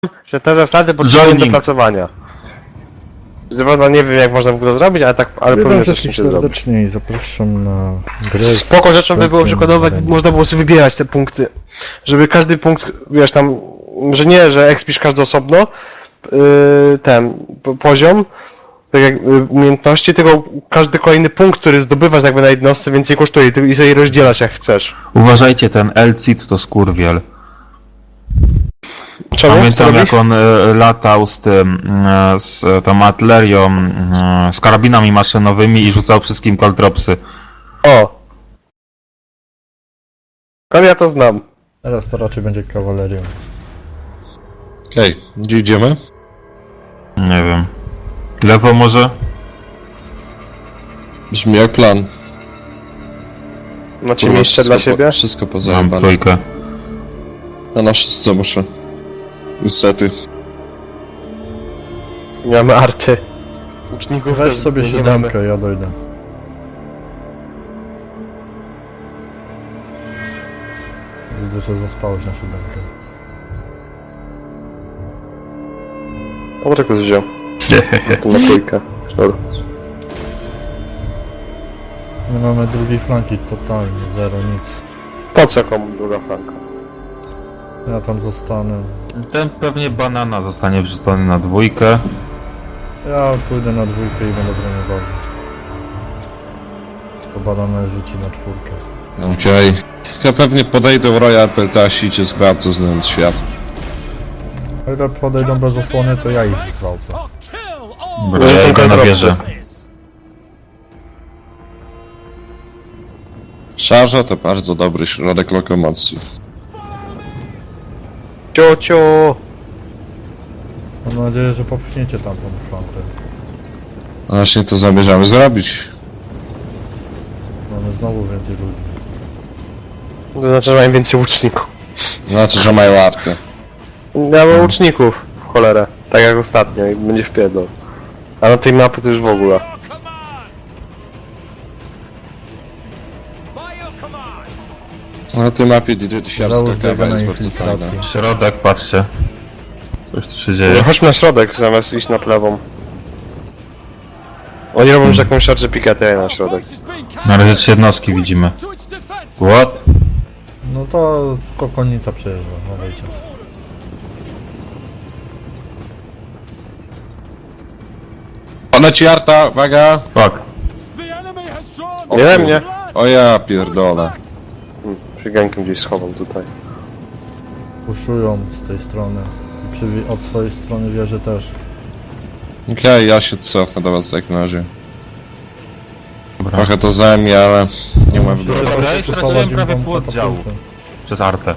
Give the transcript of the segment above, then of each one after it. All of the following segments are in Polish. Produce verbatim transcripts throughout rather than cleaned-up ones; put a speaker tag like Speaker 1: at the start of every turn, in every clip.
Speaker 1: że te zasady potrzebują dopracowania. Prawda, nie wiem jak można w ogóle zrobić, ale tak, ale
Speaker 2: Witam
Speaker 1: powinno coś
Speaker 2: wszystkich
Speaker 1: się zrobić.
Speaker 2: serdecznie i zapraszam na grę.
Speaker 1: Spoko rzeczą by było przykładować, można było sobie wybierać te punkty. Żeby każdy punkt, wiesz tam, że nie, że expisz każdy osobno, yy, ten, po- poziom, tak jak yy, umiejętności, tylko każdy kolejny punkt, który zdobywasz jakby na jednostce więcej kosztuje i ty- i sobie rozdzielasz jak chcesz.
Speaker 3: Uważajcie, ten Elcid to skurwiel.
Speaker 1: Czemu? Co
Speaker 3: Pamiętam
Speaker 1: robisz?
Speaker 3: jak on e, latał z tym, e, z e, tą artylerią, e, z karabinami maszynowymi i rzucał wszystkim caltropsy.
Speaker 1: O! Ale ja to znam.
Speaker 2: Teraz to raczej będzie kawalerią.
Speaker 4: Okej, gdzie idziemy?
Speaker 3: Nie wiem. Lewo może?
Speaker 4: Brzmi jak plan.
Speaker 1: Macie
Speaker 4: Kurwa,
Speaker 1: miejsce dla
Speaker 4: wszystko po-
Speaker 1: siebie?
Speaker 4: Wszystko
Speaker 3: Mam
Speaker 4: pozajebane.
Speaker 3: trójkę.
Speaker 4: Na nasze co muszę. Niestety.
Speaker 1: Nie mamy arty. Uczników
Speaker 2: Weź
Speaker 1: też
Speaker 2: sobie
Speaker 1: nie mamy.
Speaker 2: siódemkę, ja dojdę. Widzę, że zaspałeś na siódemkę.
Speaker 1: O, tak wziął. Tu na trójkę. Sznur.
Speaker 2: Nie mamy drugiej flanki, totalnie, zero, nic.
Speaker 1: Po co komu druga flanka?
Speaker 2: Ja tam zostanę.
Speaker 3: Ten pewnie banana zostanie wrzucony na dwójkę.
Speaker 2: Ja pójdę na dwójkę i będę bronił bazy. To banana rzuci na czwórkę.
Speaker 4: Okej. Ja pewnie podejdę w Royal Peltasi i cię zgwałcę znając świat.
Speaker 2: A jak podejdą bez osłony, to ja ich zgwałcę.
Speaker 3: Dobra, ja idę na wieżę.
Speaker 4: Szarża to bardzo dobry środek lokomocji.
Speaker 1: Ciociu!
Speaker 2: Mam nadzieję, że popchniecie tamtą flankę.
Speaker 4: A właśnie to zamierzamy zrobić.
Speaker 2: Mamy znowu więcej ludzi.
Speaker 1: To znaczy, że mają więcej łuczników.
Speaker 4: Znaczy, że mają artę.
Speaker 1: Ja mam łuczników, w cholerę. Tak jak ostatnio i będzie wpierdol. A na tej mapy to już w ogóle.
Speaker 4: Na tej mapie directivarska
Speaker 2: Załóż
Speaker 4: kawa
Speaker 2: biega na
Speaker 4: jest bardzo fajna.
Speaker 2: infiltracji.
Speaker 3: Środek, patrzcie. Coś tu się
Speaker 1: No,
Speaker 3: dzieje.
Speaker 1: chodźmy na środek zamiast iść na lewą. Oni robią już jakąś szarżę piketę, ja na środek.
Speaker 3: Na razie trzy jednostki widzimy. What?
Speaker 2: No to kokonica przejeżdża, no wejdzie.
Speaker 4: Ona ci arta, uwaga!
Speaker 3: Fuck.
Speaker 1: Nie we mnie!
Speaker 4: O ja pierdolę.
Speaker 1: Hmm, przy gankiem gdzieś schowam tutaj.
Speaker 2: Puszują z tej strony. I przy, wie- od swojej strony wieży też.
Speaker 4: Okej, ja się cofnę do was w takim razie.
Speaker 3: Dobra.
Speaker 4: Trochę to zajmie, ale nie ma wyboru.
Speaker 3: Dobra, ja
Speaker 2: Przesuwać
Speaker 3: już straciłem
Speaker 2: im
Speaker 3: prawie
Speaker 2: tą
Speaker 3: pół oddziału.
Speaker 2: katapultę.
Speaker 3: Przez artę.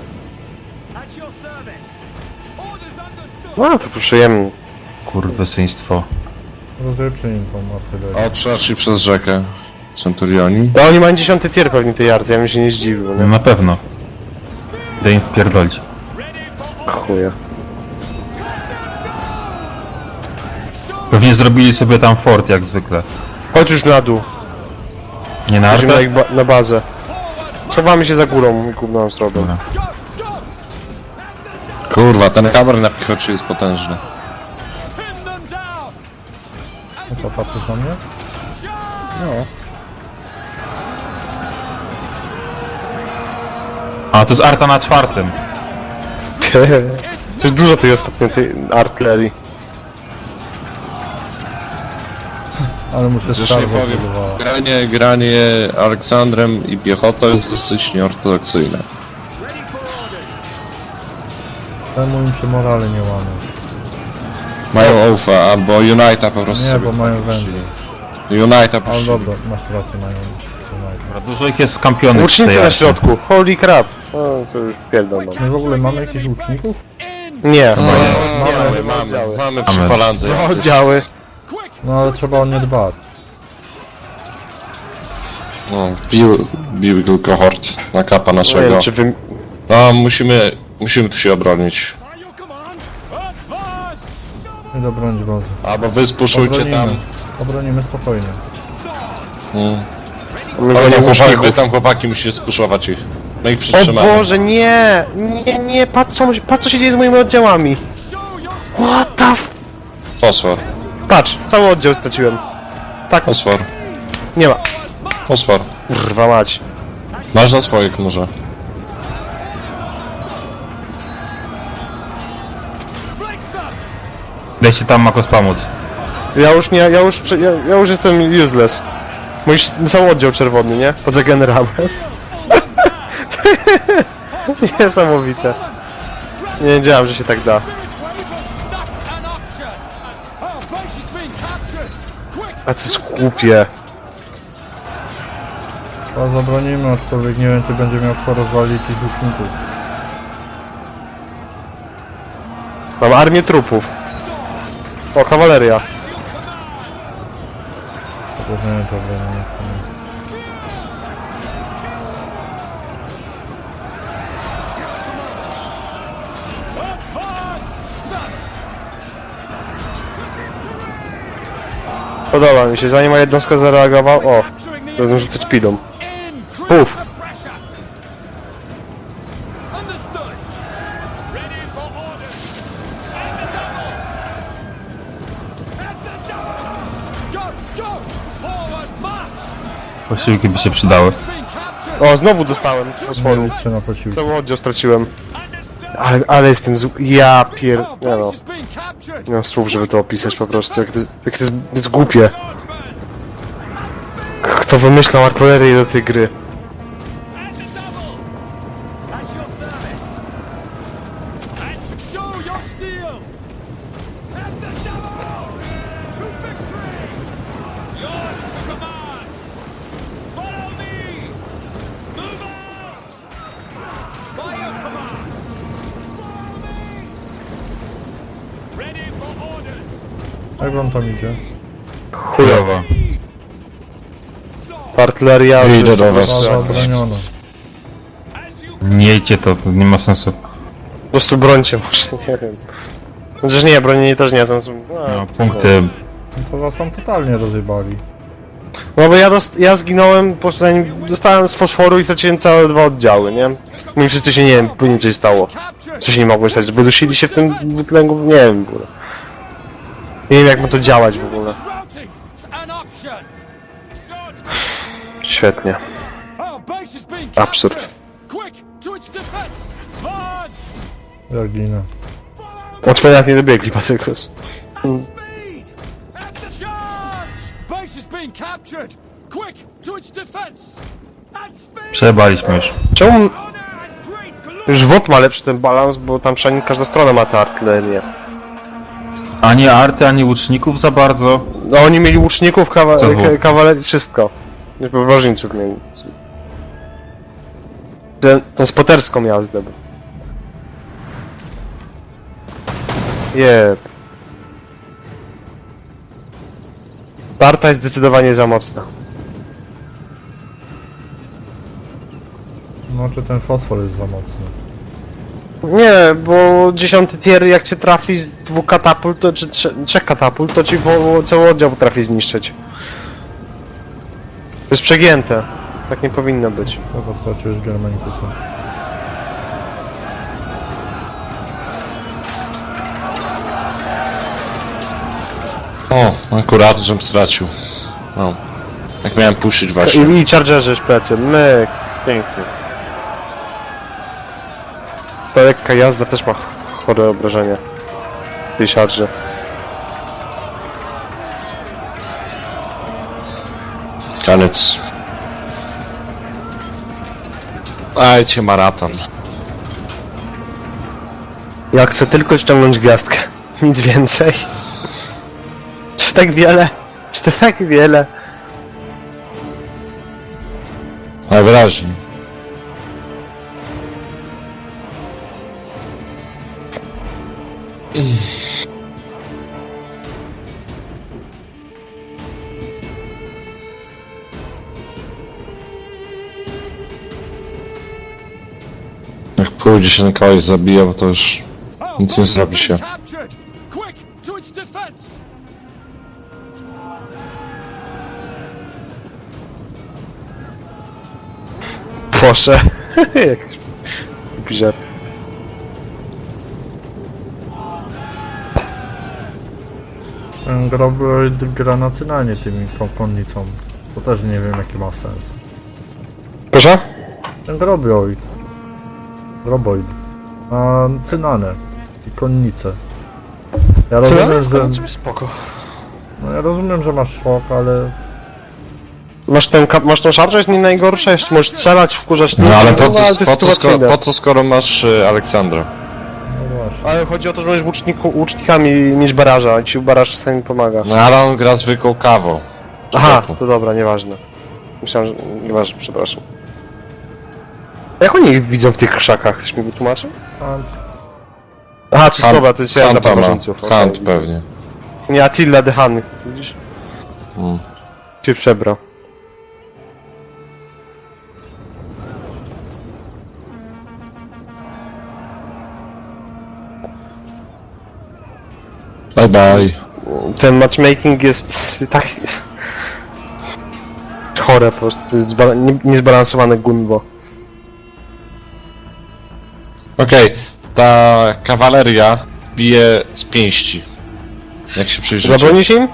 Speaker 1: No to puszujemy.
Speaker 3: Kurwysyństwo.
Speaker 2: Rozrypcie im tą artylerię.
Speaker 4: O, przeszli przez rzekę. Centurioni.
Speaker 1: No oni mają dziesiąty tier pewnie tej arty, ja bym się nie zdziwił,
Speaker 3: No
Speaker 1: nie?
Speaker 3: na pewno. Idę im wpierdolić.
Speaker 1: Chuja.
Speaker 3: Pewnie zrobili sobie tam fort jak zwykle.
Speaker 1: Chodź już na dół.
Speaker 3: Nie na
Speaker 1: Idziemy na,
Speaker 3: artę?
Speaker 1: ich ba na bazę. Schowamy się za górą i gówno nam zrobią.
Speaker 3: Dobra.
Speaker 4: Kurwa, ten kamer na pichocie jest potężny.
Speaker 2: No to patrzysz na mnie?
Speaker 4: No.
Speaker 3: A, to jest arta na czwartym.
Speaker 1: To jest dużo tej ostatniej tej artylerii.
Speaker 2: Ale muszę
Speaker 4: Zresztą
Speaker 2: szarżę
Speaker 4: powiem,
Speaker 2: próbowała.
Speaker 4: granie, granie Aleksandrem i piechotą jest dosyć nieortodoksyjne.
Speaker 2: Temu im się morale nie łamie.
Speaker 4: Mają Oufa, albo Unita po prostu
Speaker 2: Nie,
Speaker 4: sobie
Speaker 2: bo mają
Speaker 4: wchodzisz.
Speaker 2: węgiel.
Speaker 4: Unita po
Speaker 2: Ale
Speaker 4: prostu.
Speaker 2: dobra, masz rację, mają. mają.
Speaker 3: Dobra, dużo ich jest skampionych w
Speaker 1: Łucznicy
Speaker 3: tej
Speaker 1: na
Speaker 3: arcie.
Speaker 1: środku, holy crap. No co już pierdol mam.
Speaker 2: My w ogóle mamy jakichś łuczników?
Speaker 1: Nie,
Speaker 4: No,
Speaker 1: mamy,
Speaker 4: mamy, mamy,
Speaker 1: oddziały.
Speaker 4: mamy
Speaker 3: Mamy.
Speaker 4: przy falandze.
Speaker 1: Dwa oddziały.
Speaker 2: No ale trzeba o nie dbać.
Speaker 4: No, bił, bił tylko hord na kapa
Speaker 1: Nie
Speaker 4: naszego.
Speaker 1: wiem, czy wy...
Speaker 4: No, musimy, musimy tu się obronić.
Speaker 2: Idę bronić bazy.
Speaker 4: Albo wy spuszujcie tam.
Speaker 2: Obronimy. Obronimy spokojnie.
Speaker 4: Mm.
Speaker 1: My
Speaker 4: Ale
Speaker 1: nie
Speaker 4: tam chłopaki, wy
Speaker 1: łuczników.
Speaker 4: tam chłopaki musicie spuszować ich. No i
Speaker 1: O
Speaker 4: przytrzymamy.
Speaker 1: Boże, nie! Nie, nie, patrz co, patrz co się dzieje z moimi oddziałami. What the f...
Speaker 4: Fosfor.
Speaker 1: Patrz, cały oddział straciłem. Tak,
Speaker 4: Fosfor.
Speaker 1: nie ma.
Speaker 4: Fosfor.
Speaker 1: Kurwa mać.
Speaker 4: Masz na swoich może.
Speaker 3: Dajcie tam Makos pomóc.
Speaker 1: Ja już nie, ja już, prze- ja, ja już jestem useless. Mój sz- cały oddział czerwony, nie? Poza generałem. Niesamowite. Nie wiedziałem, że się tak da. A to jest głupie.
Speaker 2: A zabronimy, aczkolwiek nie wiem, czy będzie miał kto rozwalić tych łuczników.
Speaker 1: Mam armię trupów. O, kawaleria.
Speaker 2: Chociaż nie wiem, czy zabronimy.
Speaker 1: Podoba mi się, zanim moja jednostka zareagował. O, będę rzucać pidą. Puf.
Speaker 3: Posiłki by się przydały.
Speaker 1: O, znowu dostałem z
Speaker 2: Nie
Speaker 1: fosforu.
Speaker 2: liczcie na posiłki.
Speaker 1: Cały oddział straciłem. Ale, ale jestem z... Ja pier... Nie no. Nie mam słów, żeby to opisać po prostu. Jak to, jak to, jest, to jest głupie. Kto wymyślał artylerię do tej gry?
Speaker 2: Jak wam tam idzie?
Speaker 3: Chujowo.
Speaker 1: Ta artyleria...
Speaker 4: Idę
Speaker 1: to jest
Speaker 4: do
Speaker 1: po
Speaker 4: was.
Speaker 1: prostu-
Speaker 2: Baza obroniona.
Speaker 3: Miejcie to, to nie ma sensu.
Speaker 1: Po prostu brońcie może, nie wiem. Chociaż nie, bronienie też nie ma sensu.
Speaker 3: No, punkty.
Speaker 2: No to was tam totalnie rozjebali.
Speaker 1: No bo ja, dost, ja zginąłem, po prostu zanim dostałem z fosforu i straciłem całe dwa oddziały, nie? No i wszyscy się, nie wiem, później coś stało. Co się nie mogło stać, wydusili się w tym wytlęgu, nie wiem w ogóle. Nie wiem jak ma to działać w ogóle. Świetnie. Absurd.
Speaker 2: Ja ginę.
Speaker 1: Od twojej nie dobiegli, Patrykus.
Speaker 3: Przejebaliśmy już.
Speaker 1: Czemu... Już W O T ma lepszy ten balans, bo tam przynajmniej każda strona ma tę artylerię.
Speaker 3: Ani arty, ani łuczników za bardzo.
Speaker 1: No oni mieli łuczników, kawa
Speaker 3: Co było?
Speaker 1: ka kawalerii, wszystko. Woźniców mieli. Tę- Tą spoterską jazdę. Jeb. Tarta jest zdecydowanie za mocna.
Speaker 2: No czy ten fosfor jest za mocny?
Speaker 1: Nie, bo dziesiąty tier jak cię trafi z dwóch katapult, to, czy trze trzech katapult, to ci po, cały oddział potrafi zniszczyć. To jest przegięte. Tak nie powinno być.
Speaker 2: Chyba straciłeś Germanikusa.
Speaker 4: O, akurat, żem stracił. No. Jak miałem puszyć właśnie.
Speaker 1: I, i chargerzy plecy. Myk. Pięknie. Ta lekka jazda też ma chore obrażenia. W tej charge.
Speaker 4: Koniec. Dajcie maraton.
Speaker 1: Ja chcę tylko ściągnąć gwiazdkę. Nic więcej. Czy tak wiele? Czy to tak wiele?
Speaker 4: Najwyraźniej. Jak pójdzie się na kogoś zabija, to już nic nie zrobi się.
Speaker 1: Proszę. Jakiś głupi żart.
Speaker 2: Ten Grobroid gra nacynalnie tymi kon- konnicą. To też nie wiem jaki ma sens.
Speaker 1: Proszę?
Speaker 2: Ten Grobroid. Groboid. Ma cynanę. I konnicę. Ja
Speaker 1: Co?
Speaker 2: rozumiem, że...
Speaker 1: Że... Spoko.
Speaker 2: No ja rozumiem, że masz szok, ale...
Speaker 1: Masz, ten, kap- masz tą szarżę, jest nie najgorsza, jeszcze możesz strzelać, wkurzać...
Speaker 4: No ale po
Speaker 1: ale
Speaker 4: co,
Speaker 1: to jest
Speaker 4: po co, skoro,
Speaker 1: sytuacyjne.
Speaker 4: po co skoro masz y, Aleksandra?
Speaker 2: No właśnie.
Speaker 1: Ale chodzi o to, że możesz łuczniku, łucznikami mieć baraża, i ci baraż czasami pomaga.
Speaker 4: No ale on gra zwykłą kawą.
Speaker 1: Aha,
Speaker 4: Człowieku.
Speaker 1: to dobra, nieważne. Myślałem, że... Nieważne, przepraszam. Jak oni ich widzą w tych krzakach? Ktoś mi wytłumaczył?
Speaker 2: A,
Speaker 1: Aha, to jest
Speaker 4: Hunt-
Speaker 1: dobra, to jest ja dla
Speaker 4: Hunta ma.
Speaker 1: barbarzyńców.
Speaker 4: Hunt pewnie.
Speaker 1: Nie, Attila the Hun, widzisz?
Speaker 4: Mm.
Speaker 1: Się przebrał.
Speaker 4: Bye bye.
Speaker 1: Ten matchmaking jest tak... chore po prostu, zba- nie- niezbalansowane gunwo.
Speaker 4: Okej, ta kawaleria bije z pięści. Jak się przyjrzycie.
Speaker 1: Zabronisz im?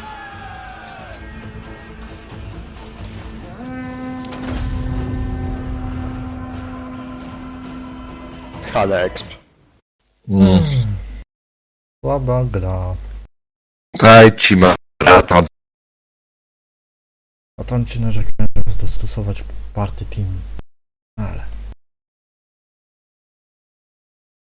Speaker 1: Ale exp.
Speaker 4: Mm.
Speaker 2: słaba gra.
Speaker 4: Daj ci ma lata.
Speaker 2: A tam ci narzekają, żeby dostosować party team. Ale...